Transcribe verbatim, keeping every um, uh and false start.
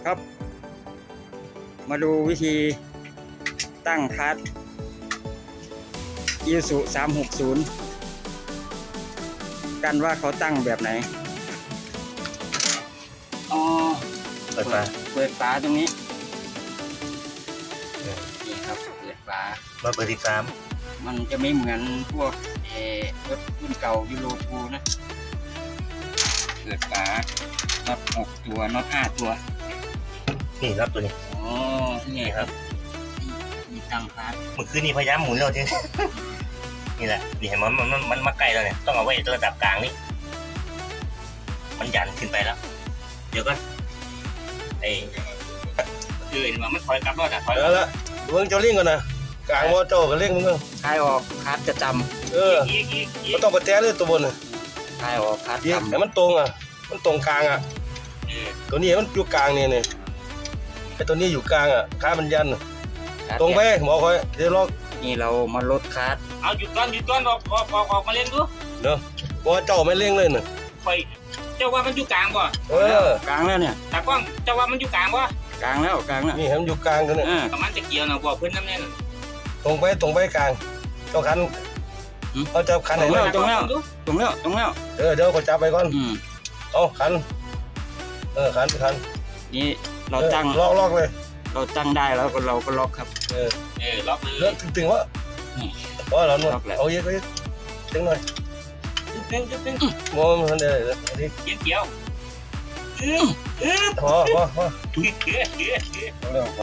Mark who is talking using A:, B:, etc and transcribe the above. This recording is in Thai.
A: ครับมาดูวิธีตั้งคัสอีซูสามหกศูนย์กันว่าเขาตั้งแบบไหนอ๋อ
B: เปิดฝา
A: เปิดฝาตรงนี้นี่ครับเปิดฝา
B: มาเปิดที่สาม
A: มันจะไม่เหมือนพวกเออรถรุ่นเก่ายูโรทูนะเปิดฝาน็อตหกตัวน็อตห้าตัว
B: นี่รับตัวนี้
A: อ๋อนี่ครับนี่ตั้งคัส
B: เมื่อคืนนี้พยายามหมุนแล้วที นี่แหละนี่เห็นมันมันมันมันมาไกลแล้วเนี่ยต้องเอาไว้ระดับกลางนี่มันหยันขึ้นไปแล้ว เดี๋ยวก็ไอ้คือเห็นว่ามันถอยกลับรถอ่ะถอย
C: เดี๋ยวละเบิ่งเจ้าลิงก่อนนะกลางว่าเจ้าก็เล่งมึงเบิ่ง
A: คลายออกคัสจะจ
C: เออ
B: อีกอีกอี
C: มั
B: ก
C: นต้องไปแต้เลยตัวบนน่ะ
A: ำคลายออกคัส
C: ยิง
A: จำ
C: ให้มันตรงอ่ะมันตรงกลางอ่ะ
B: เออ
C: ตัวนี้มันอยู่กลางนี่นี่ไอ้ตัวนี้อยู่กลางอ่ะขามันยันน่ะ
A: คัส
C: ตรงไปหมอคอยเดี๋ยวลอก
A: นี่เรามาลดคัส
B: เอาหยุดก่อนหยุดก่อนออกออกออกออกมาเล่นดู
C: เนาะเพราะว่าเจ้าไม่เล่งเลยน่ะ
B: คอยเจ้าว่ามันอยู่กลางบ่
C: เออก
A: ลางแล้วเนี่ย
B: ตากล้องเจ้าว่ามันอยู่กลางบ่
A: กลางแล้วกลางแล้ว
C: นี่ให้มันอยู่กลางกันเนี่ย
A: อ่า
B: ประมาณจะเกี่ยวนะบอกเพื่อนน้ำแน่น
C: ตรงไปตรงไปกลางเจ้าคันเอาจับคันไหน
A: ตรง
C: มา
A: แล้วตรงแล้วตรงแล้วตรงแล้ว
C: เออเดี๋ยวก็จับไปก่อน
A: อืม
C: เอาคันเออคันคัน
A: นี่เราตั้ง
C: ลอกลอกเลย
A: เราตั้งได้แล้วก็เราก็ล็อกครับ
C: เออ
B: เออล็อกเล
C: เลือย กตึงๆวะอ๋อเราเนาะ
A: ล็อกแล้ว
C: เอาเยอะก็เยอะตึงหน่อย
B: จุดหนึ่งจุดหนึ่ง
C: มองมันเดี๋ยวเดี๋ยวเดี๋ยว
B: เกี่ยวเกี่ยว
C: พอพอพอ
B: เกี่ยวเกี่ยว
C: เอาเร็ว